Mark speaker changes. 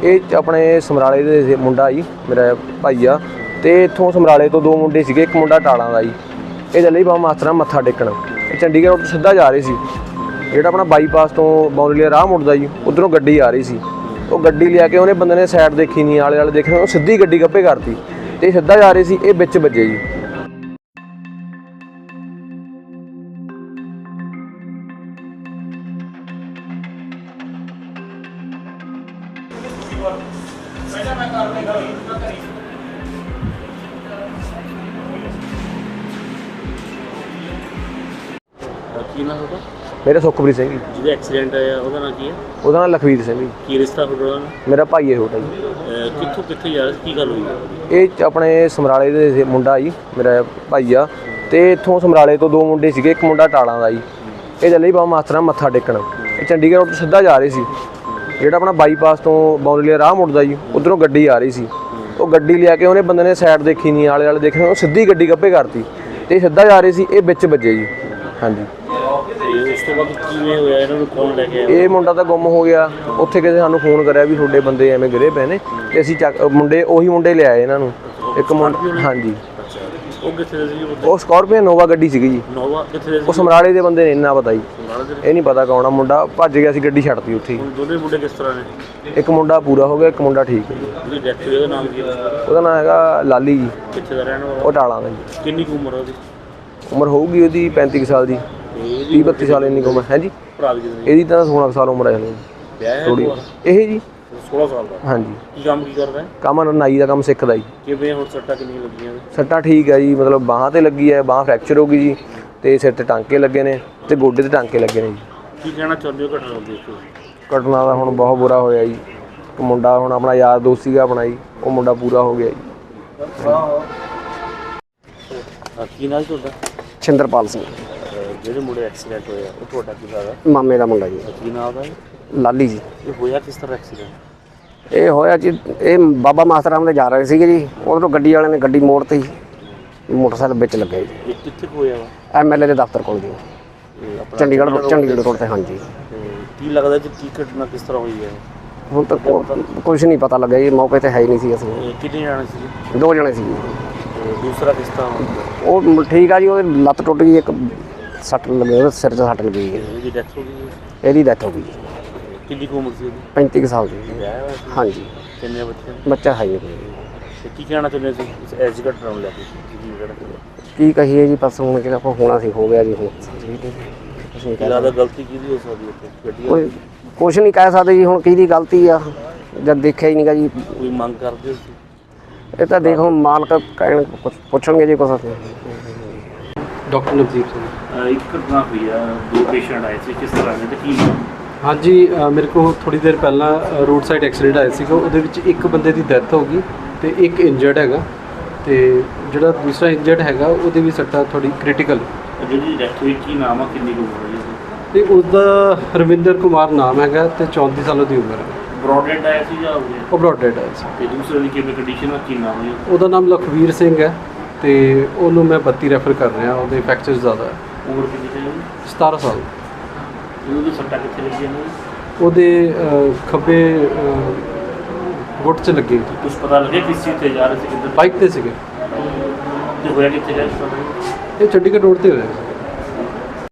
Speaker 1: ਇਹ ਆਪਣੇ ਸਮਰਾਲੇ ਦੇ ਮੁੰਡਾ ਜੀ, ਮੇਰਾ ਭਾਈ ਆ। ਤੇ ਇੱਥੋਂ ਸਮਰਾਲੇ ਤੋਂ ਦੋ ਮੁੰਡੇ ਸੀਗੇ, ਇੱਕ ਮੁੰਡਾ ਟਾਲਾਂ ਦਾ ਜੀ। ਇਹ ਚੱਲੇ ਬਾਬਾ ਮਾਸਟਰਾਂ ਮੱਥਾ ਟੇਕਣ। ਇਹ ਚੰਡੀਗੜ੍ਹ ਰੋਡ ਤੋਂ ਸਿੱਧਾ ਜਾ ਰਹੇ ਸੀ, ਜਿਹੜਾ ਆਪਣਾ ਬਾਈਪਾਸ ਤੋਂ ਬੌਲੀਆ ਰਾਹ ਮੁੜਦਾ ਜੀ, ਉੱਧਰੋਂ ਗੱਡੀ ਆ ਰਹੀ ਸੀ। ਉਹ ਗੱਡੀ ਲਿਆ ਕੇ ਉਹਨੇ ਬੰਦੇ ਨੇ ਸਾਈਡ ਦੇਖੀ ਨਹੀਂ, ਆਲੇ ਦੁਆਲੇ ਦੇਖਿਆ, ਉਹ ਸਿੱਧੀ ਗੱਡੀ ਗੱਭੇ ਕਰਤੀ ਤੇ ਸਿੱਧਾ ਜਾ ਰਹੇ ਸੀ, ਇਹ ਵਿੱਚ ਵੱਜੇ ਜੀ।
Speaker 2: ਕੀ ਨਾਮ ਉਹਦਾ?
Speaker 1: ਮੇਰਾ ਸੁਖਪ੍ਰੀਤ ਸਿੰਘ ਜੀ।
Speaker 2: ਜਿਹਦਾ ਐਕਸੀਡੈਂਟ ਆਇਆ ਉਹਦਾ ਨਾਮ ਕੀ ਹੈ?
Speaker 1: ਉਹਦਾ ਨਾਮ ਲਖਵੀਰ ਸਿੰਘ ਜੀ।
Speaker 2: ਕੀ ਰਿਸ਼ਤਾ ਤੁਹਾਡਾ?
Speaker 1: ਮੇਰਾ ਭਾਈ ਹੈ ਛੋਟਾ ਜੀ।
Speaker 2: ਕਿੱਥੋਂ ਕਿੱਥੇ ਜਾ ਰਿਹਾ ਸੀ, ਕੀ ਗੱਲ ਹੋਈ?
Speaker 1: ਇਹ ਆਪਣੇ ਸਮਰਾਲੇ ਦੇ ਮੁੰਡਾ ਜੀ, ਮੇਰਾ ਭਾਈ ਆ। ਤੇ ਇੱਥੋਂ ਸਮਰਾਲੇ ਤੋਂ ਦੋ ਮੁੰਡੇ ਸੀਗੇ, ਇੱਕ ਮੁੰਡਾ ਟਾਲਾਂ ਦਾ ਜੀ। ਇਹ ਚੱਲੇ ਬਾਬਾ ਮਾਸਟਰਾਂ ਮੱਥਾ ਟੇਕਣ। ਇਹ ਚੰਡੀਗੜ੍ਹ ਰੋਡ ਤੋਂ ਸਿੱਧਾ ਜਾ ਰਹੇ ਸੀ, ਜਿਹੜਾ ਆਪਣਾ ਬਾਈਪਾਸ ਤੋਂ ਬੌਲੀਆ ਰਾਹ ਮੁੜਦਾ ਜੀ, ਉੱਧਰੋਂ ਗੱਡੀ ਆ ਰਹੀ ਸੀ। ਉਹ ਗੱਡੀ ਲਿਆ ਕੇ ਉਹਨੇ ਬੰਦੇ ਨੇ ਸਾਈਡ ਦੇਖੀ ਨਹੀਂ, ਆਲੇ ਦੁਆਲੇ ਦੇਖਿਆ, ਉਹ ਸਿੱਧੀ ਗੱਡੀ ਗੱਭੇ ਕਰਤੀ ਤੇ ਸਿੱਧਾ ਜਾ ਰਹੇ ਸੀ, ਇਹ ਵਿੱਚ ਵੱਜੇ ਜੀ। ਹਾਂਜੀ।
Speaker 2: ਉਸ ਤੋਂ ਬਾਅਦ ਕਿਵੇਂ ਹੋਇਆ? ਇਹਨਾਂ ਨੂੰ ਕੌਣ ਲੈ ਕੇ ਆਇਆ?
Speaker 1: ਇਹ ਮੁੰਡਾ ਤਾਂ ਗੁੰਮ ਹੋ ਗਿਆ। ਉੱਥੇ ਕਿਸੇ ਸਾਨੂੰ ਫੋਨ ਕਰਿਆ ਵੀ ਤੁਹਾਡੇ ਬੰਦੇ ਐਵੇਂ ਗਿਰੇ ਪਏ ਨੇ, ਤੇ ਅਸੀਂ ਮੁੰਡੇ ਉਹੀ ਮੁੰਡੇ ਲਿਆਏ ਇਹਨਾਂ ਨੂੰ। ਇੱਕ ਮੁੰਡਾ, ਹਾਂਜੀ।
Speaker 2: ਉਹ ਕਿੱਥੇ ਸੀ?
Speaker 1: ਉਹ ਸਕਾਰਪੀਓ ਨੋਵਾ ਗੱਡੀ ਸੀਗੀ ਜੀ।
Speaker 2: ਨੋਵਾ ਕਿੱਥੇ ਸੀ?
Speaker 1: ਉਹ ਸਮਰਾਲੇ ਦੇ ਬੰਦੇ ਨੇ, ਇੰਨਾ ਪਤਾ ਜੀ। ਇਹ ਨਹੀਂ ਪਤਾ ਕੌਣ ਆ ਮੁੰਡਾ, ਭੱਜ ਗਿਆ ਸੀ, ਗੱਡੀ ਛੱਡਤੀ ਉੱਥੇ।
Speaker 2: ਦੋਨੇ ਮੁੰਡੇ ਕਿਸ ਤਰ੍ਹਾਂ ਨੇ?
Speaker 1: ਇੱਕ ਮੁੰਡਾ ਪੂਰਾ ਹੋ ਗਿਆ, ਇੱਕ ਮੁੰਡਾ ਠੀਕ ਹੈ ਜੀ।
Speaker 2: ਉਹਦੀ ਡੈਥ ਹੋਈ, ਉਹਦਾ ਨਾਮ ਕੀ ਹੈ?
Speaker 1: ਉਹਦਾ ਨਾਮ ਹੈਗਾ ਲਾਲੀ ਜੀ।
Speaker 2: ਕਿੱਥੇ ਦਾ ਰਹਿਣ ਵਾਲਾ?
Speaker 1: ਉਹ ਟਾਲਾਂ ਦਾ ਜੀ।
Speaker 2: ਕਿੰਨੀ ਕੁ ਉਮਰ ਉਹਦੀ?
Speaker 1: ਉਮਰ ਹੋਊਗੀ ਉਹਦੀ 35 ਸਾਲ ਦੀ, 30-32 ਸਾਲ ਇੰਨੀ ਉਮਰ ਹੈ ਜੀ।
Speaker 2: ਭਰਾ ਦੀ ਕਿੰਨੀ?
Speaker 1: ਇਹਦੀ ਤਾਂ 16 ਸਾਲ ਉਮਰ ਹੈ ਥੋੜੀ। ਇਹ ਜੀ
Speaker 2: 16 ਸਾਲ ਦਾ।
Speaker 1: ਹਾਂਜੀ।
Speaker 2: ਕੀ ਕੰਮ ਕੀ ਕਰਦਾ ਹੈ?
Speaker 1: ਕੰਮ ਨਾਈ ਦਾ ਕੰਮ ਸਿੱਖਦਾ ਜੀ।
Speaker 2: ਕਿਵੇਂ ਹੁਣ ਸੱਟਾਂ ਕਿੰਨੀਆਂ ਲੱਗੀਆਂ ਨੇ?
Speaker 1: ਸੱਟਾਂ ਠੀਕ ਹੈ ਜੀ, ਮਤਲਬ ਬਾਹਾਂ ਤੇ ਲੱਗੀ ਹੈ, ਬਾਹਾਂ ਫ੍ਰੈਕਚਰ ਹੋ ਗਈ ਜੀ, ਤੇ ਸਿਰ ਤੇ ਟਾਂਕੇ ਲੱਗੇ ਨੇ, ਤੇ ਗੋਡੇ ਤੇ ਟਾਂਕੇ ਲੱਗੇ ਨੇ ਜੀ।
Speaker 2: ਕੀ ਕਹਿਣਾ ਚਾਹੁੰਦੇ ਹੋ ਘਟਨਾ ਦੇਖ ਕੇ?
Speaker 1: ਘਟਨਾ ਦਾ ਹੁਣ ਬਹੁਤ ਬੁਰਾ ਹੋਇਆ ਜੀ। ਇੱਕ ਮੁੰਡਾ ਹੁਣ ਆਪਣਾ ਯਾਰ ਦੋਸਤ ਸੀਗਾ ਆਪਣਾ ਜੀ, ਉਹ ਮੁੰਡਾ ਪੂਰਾ ਹੋ ਗਿਆ ਜੀ।
Speaker 2: ਕੀ ਨਾਮ ਤੁਹਾਡਾ?
Speaker 3: ਛਿੰਦਰਪਾਲ ਸਿੰਘ।
Speaker 2: ਜਿਹੜੇ ਮੁੰਡੇ ਐਕਸੀਡੈਂਟ ਹੋਇਆ ਉਹ ਤੁਹਾਡਾ ਕੀ ਲੱਗਦਾ?
Speaker 3: ਮਾਮੇ ਦਾ ਮੁੰਡਾ ਜੀ।
Speaker 2: ਕੀ ਨਾਮ ਦਾ?
Speaker 3: ਲਾਲੀ ਜੀ।
Speaker 2: ਇਹ ਹੋਇਆ ਕਿਸ ਤਰ੍ਹਾਂ ਐਕਸੀਡੈਂਟ?
Speaker 3: ਇਹ ਹੋਇਆ ਜੀ, ਇਹ ਬਾਬਾ ਮਾਸਟਰਾਂ ਦੇ ਜਾ ਰਹੇ ਸੀਗੇ ਜੀ, ਉਧਰੋਂ ਗੱਡੀ ਵਾਲਿਆਂ ਨੇ ਗੱਡੀ ਮੋੜਤੀ, ਮੋਟਰਸਾਈਕਲ ਵਿੱਚ ਲੱਗਿਆ ਜੀ।
Speaker 2: ਇਹ ਕਿੱਥੇ ਹੋਇਆ ਵਾ?
Speaker 3: ਐਮਐਲਏ ਦੇ ਦਫ਼ਤਰ ਕੋਲ ਜੀ, ਚੰਡੀਗੜ੍ਹ ਰੋਡ ਤੇ। ਹਾਂਜੀ।
Speaker 2: ਕੀ ਲੱਗਦਾ ਜੀ ਕੀ ਘਟਨਾ ਕਿਸ ਤਰ੍ਹਾਂ ਹੋਈ ਹੈ?
Speaker 3: ਹੁਣ ਤੱਕ ਕੁਝ ਨਹੀਂ ਪਤਾ ਲੱਗਿਆ ਜੀ, ਮੌਕੇ ਤੇ ਹੈ ਹੀ ਨਹੀਂ ਸੀ ਅਸੀਂ।
Speaker 2: ਕਿੰਨੇ ਜਾਣੇ ਸੀ?
Speaker 3: 2 ਜਣੇ ਸੀ।
Speaker 2: ਦੂਸਰਾ ਕਿਸ ਤਰ੍ਹਾਂ?
Speaker 3: ਉਹ ਠੀਕ ਆ ਜੀ, ਉਹਦੀ ਲੱਤ ਟੁੱਟ ਗਈ, ਇੱਕ ਸੱਟ ਲੱਗੀ, ਉਹਦੇ ਸਿਰ 'ਚ ਸੱਟ ਲੱਗੀ ਹੈ।
Speaker 2: ਇਹਦੀ ਡੈਥ ਹੋ ਗਈ?
Speaker 3: ਇਹਦੀ ਡੈਥ ਹੋ ਗਈ ਜੀ।
Speaker 2: ਕਿੰਨੀ ਕੁ ਉਮਰ ਸੀ ਉਹਦੀ?
Speaker 3: 35 ਸਾਲ ਦੀ।
Speaker 2: ਵਿਆਹ ਹੋਇਆ ਸੀ?
Speaker 3: ਹਾਂਜੀ।
Speaker 2: ਕਿੰਨੇ ਬੱਚੇ?
Speaker 3: ਬੱਚਾ ਹੈ ਜੀ।
Speaker 2: ਤੇ ਕੀ ਕਹਿਣਾ ਚਾਹੁੰਦੇ ਸੀ ਇਸ ਐਜ ਘਟਨਾ ਨੂੰ ਲੈ ਕੇ?
Speaker 3: ਕੀ ਕਹੀਏ ਜੀ, ਬਸ ਹੁਣ ਕਿਹੜਾ ਹੋਣਾ ਸੀ, ਹੋ ਗਿਆ ਜੀ। ਹੁਣ ਅਸੀਂ
Speaker 2: ਜ਼ਿਆਦਾ ਗਲਤੀ ਕਿਹਦੀ ਹੋ ਸਕਦੀ ਹੈ? ਗੱਡੀ
Speaker 3: ਕੁਛ ਨਹੀਂ ਕਹਿ ਸਕਦੇ ਜੀ, ਹੁਣ ਕਿਹਦੀ ਗਲਤੀ ਆ, ਜਦ ਦੇਖਿਆ ਹੀ ਨਹੀਂਗਾ ਜੀ।
Speaker 2: ਕੋਈ ਮੰਗ ਕਰਦੇ ਸੀ?
Speaker 3: ਇਹ ਤਾਂ ਦੇਖੋ ਮਾਲਕ ਕਹਿਣ, ਕੁਛ ਪੁੱਛਣਗੇ ਜੀ ਕੁਛ।
Speaker 4: ਡਾਕਟਰ ਨਵਦੀਪ ਸਿੰਘ।
Speaker 2: ਇੱਕ ਘਟਨਾ ਹੋਈ ਆ, 2 ਪੇਸ਼ੈਂਟ ਆਏ ਸੀ, ਕਿਸ ਤਰ੍ਹਾਂ ਦੇ ਤੇ ਕੀ?
Speaker 4: ਹਾਂਜੀ, ਮੇਰੇ ਕੋਲ ਥੋੜੀ ਦੇਰ ਪਹਿਲਾਂ ਰੋਡ ਸਾਈਡ ਐਕਸੀਡੈਂਟ ਆਇਆ ਸੀਗਾ, ਉਹਦੇ ਵਿੱਚ ਇੱਕ ਬੰਦੇ ਦੀ ਡੈਥ ਹੋ ਗਈ ਤੇ ਇੱਕ ਇੰਜਰਡ ਹੈਗਾ, ਤੇ ਜਿਹੜਾ ਦੂਸਰਾ ਇੰਜਰਡ ਹੈਗਾ ਉਹਦੇ ਵੀ ਸੱਟਾਂ ਥੋੜੀ ਕ੍ਰਿਟੀਕਲ।
Speaker 2: ਜਿਹਦੀ ਡੈਥ ਹੋਈ ਕੀ ਨਾਮ ਆ, ਕਿੰਨੀ ਕੁ ਉਮਰ ਹੈ?
Speaker 4: ਤੇ ਉਸਦਾ ਰਵਿੰਦਰ ਕੁਮਾਰ ਨਾਮ ਹੈਗਾ ਤੇ 34 ਸਾਲਾਂ ਦੀ ਉਮਰ ਹੈ।
Speaker 2: ਬ੍ਰੌਡਹੈਡ ਆਇਆ ਸੀ ਜਾਂ
Speaker 4: ਉਹ ਬ੍ਰੌਡਹੈਡ ਆਇਆ ਸੀ।
Speaker 2: ਤੇ ਦੂਸਰੇ ਦੀ ਕਿਵੇਂ ਕੰਡੀਸ਼ਨ ਆ, ਕੀ ਨਾਮ ਹੈ?
Speaker 4: ਉਹਦਾ ਨਾਮ ਲਖਵੀਰ ਸਿੰਘ ਹੈ ਤੇ ਉਹਨੂੰ ਮੈਂ 32 ਰੈਫਰ ਕਰ ਰਿਹਾ, ਉਹਦੇ ਫ੍ਰੈਕਚਰ ਜ਼ਿਆਦਾ ਹੈ।
Speaker 2: ਉਮਰ ਕਿੰਨੀ ਹੈ?
Speaker 4: 17 ਸਾਲ।
Speaker 2: ਉਹਦੀ ਸੱਟਾਂ ਕਿੱਥੇ ਲੱਗੀਆਂ ਨੇ?
Speaker 4: ਉਹਦੇ ਖੱਬੇ ਗੁੱਟ 'ਚ ਲੱਗੀ।
Speaker 2: ਕੁਝ ਪਤਾ ਲੱਗਿਆ ਕਿਸ ਚੀਜ਼ ਤੇ ਜਾ ਰਹੇ ਸੀ, ਕਿੱਧਰ?
Speaker 4: ਬਾਈਕ ਤੇ ਸੀਗੇ।
Speaker 2: ਤੇ ਹੋਇਆ ਕਿੱਥੇ ਗਿਆ?
Speaker 4: ਇਹ ਚੰਡੀਗੜ੍ਹ ਰੋਡ ਤੇ ਹੋਇਆ।